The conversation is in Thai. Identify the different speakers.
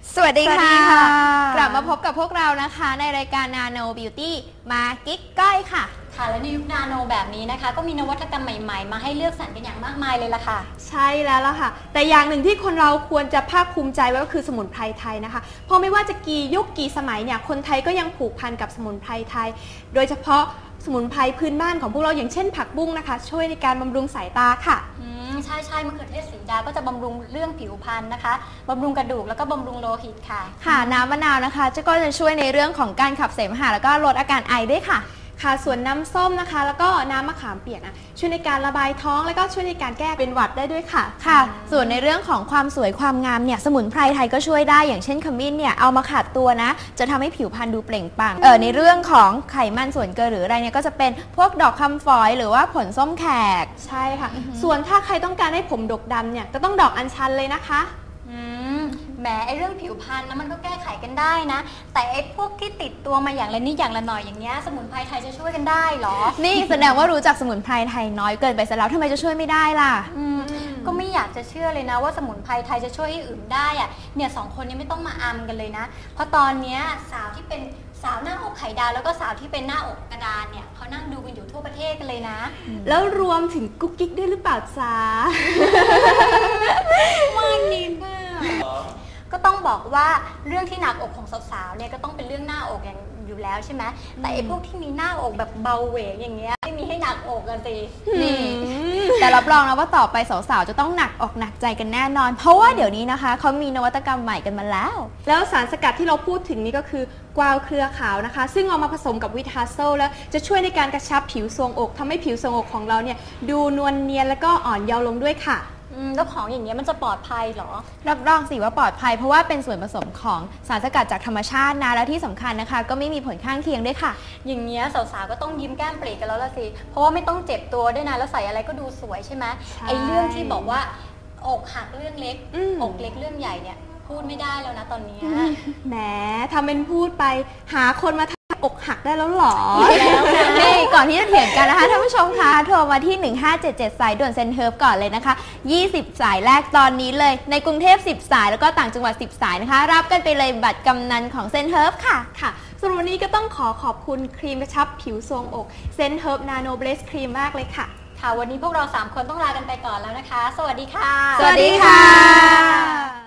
Speaker 1: สวัสดีค่ะ
Speaker 2: กลับมาพบกับพวกเรานะคะในรายการ Nano Beauty มากิ๊กก้อยค่ะ
Speaker 1: และในยุคนาโนแบบนี้นะคะก็มีนวัตกรรมใหม่ๆมาให้เลือกสรรกันอย่างมากมายเลยล่ะค่ะ
Speaker 2: ใช่แล้วล่ะค่ะแต่อย่างหนึ่งที่คนเราควรจะภาคภูมิใจไว้ก็คือสมุนไพรไทยนะคะเพราะไม่ว่าจะกี่ยุคกี่สมัยเนี่ยคนไทยก็ยังผูกพันกับสมุนไพรไทยโดยเฉพาะสมุนไพรพื้นบ้านของพวกเราอย่างเช่นผักบุ้งนะคะช่วยในการบำรุงสายตาค่ะ
Speaker 1: ใช่มะเขือเทศสีดาก็จะบำรุงเรื่องผิวพรรณนะคะบำรุงกระดูกแล้วก็บำรุงโลหิต
Speaker 2: ค่ะน้ำมะนาวนะคะก็จะช่วยในเรื่องของการขับเสมหะแล้วก็ลดอาการไอด้วยค่ะส่วนน้ำส้มนะคะแล้วก็น้ำมะขามเปียกนะช่วยในการระบายท้องแล้วก็ช่วยในการแก้เป็นหวัดได้ด้วยค่ะส่วนในเรื่องของความสวยความงามเนี่ยสมุนไพรไทยก็ช่วยได้อย่างเช่นขมิ้นเนี่ยเอามาขัดตัวนะจะทำให้ผิวพรรณดูเปล่งปลั่งในเรื่องของไขมันส่วนเกินหรืออะไรเนี่ยก็จะเป็นพวกดอกคำฝอยหรือว่าผลส้มแขกใช่ค่ะส่วนถ้าใครต้องการให้ผมดกดำเนี่ยก็ต้องดอกอัญชันเลยนะคะ
Speaker 1: แหมไอเรื่องผิวพรรณนะมันก็แก้ไขกันได้นะแต่ไอพวกที่ติดตัวมาอย่างละนิดอย่างละหน่อยอย่างเงี้ยสมุนไพรไทยจะช่วยกันได้หรอ
Speaker 2: นี่แสดงว่ารู้จักสมุนไพรไทยน้อยเกินไปซะแล้วทำไมจะช่วยไม่ได้ล่ะ
Speaker 1: ก็ไม่อยากจะเชื่อเลยนะว่าสมุนไพรไทยจะช่วยให้อื่นได้อะเนี่ยสองคนนี้ไม่ต้องมาอัมกันเลยนะเพราะตอนเนี้ยสาวที่เป็นสาวหน้าอกไข่ดาวแล้วก็สาวที่เป็นหน้าอกกระดานเนี่ยเขานั่งดูกันอยู่ทั่วประเทศกันเลยนะ
Speaker 2: แล้วรวมถึงกุ๊กกิ๊กด้วยหรือเปล่าจ๊ะ
Speaker 1: มันนิดมากก็ต้องบอกว่าเรื่องที่หนักอกของสาวๆเนี่ยก็ต้องเป็นเรื่องหน้าอกอย่างอยู่แล้วใช่ไหมแต่ไอ้พวกที่มีหน้าอกแบบเบาเหวงอย่างเงี้ยไม่มีให้หนักอกกันสิ
Speaker 2: นี่แต่รับรองนะว่าต่อไปสาวๆจะต้องหนักอกหนักใจกันแน่นอนเพราะว่าเดี๋ยวนี้นะคะเขามีนวัตกรรมใหม่กันมาแล้วสารสกัดที่เราพูดถึงนี่ก็คือกวาวเครือขาวนะคะซึ่งเอามาผสมกับวิตาโซลแล้วจะช่วยในการกระชับผิวทรวงอกทำให้ผิวทรวงอกของเราเนี่ยดูนวลเนียนแล้วก็อ่อนเยาว์ลงด้วยค่ะ
Speaker 1: แล้วของอย่างเงี้ยมันจะปลอดภัยเหรอ
Speaker 2: รับรองสิว่าปลอดภัยเพราะว่าเป็นส่วนผสมของสารสกัดจากธรรมชาตินะและที่สำคัญนะคะก็ไม่มีผลข้างเคียงด้วยค่ะ
Speaker 1: อย่างเงี้ยสาวๆก็ต้องยิ้มแก้มปรีกันแล้วละสิเพราะว่าไม่ต้องเจ็บตัวด้วยนะแล้วใส่อะไรก็ดูสวยใช่ไหมไอ้เรื่องที่บอกว่าอกหักเรื่องเล็กอกเล็กเรื่องใหญ่เนี่ยพูดไม่ได้แล้วนะตอนนี้
Speaker 2: แหมทำเป็นพูดไปหาคนมาอกหักได้แล้วหรอ
Speaker 1: แล้วนะ
Speaker 2: นี่ก่อนที่จะเถียงกันนะคะท่านผู้ชมคะโทรมาที่1577สายด่วนเซ็นเฮิร์ฟก่อนเลยนะคะ20สายแรกตอนนี้เลยในกรุงเทพ10สายแล้วก็ต่างจังหวัด10สายนะคะรับกันไปเลยบัตรกำนันของเซ็นเฮิร์ฟค่ะสำหรับวันนี้ก็ต้องขอบคุณครีมกระชับผิวทรวงอกเซ็นเฮิร์ฟนาโนเบลสครีมมากเลยค่ะ
Speaker 1: วันนี้พวกเรา3คนต้องลากันไปก่อนแล้วนะคะสวัสดีค่ะ
Speaker 2: สวัสดีค่ะ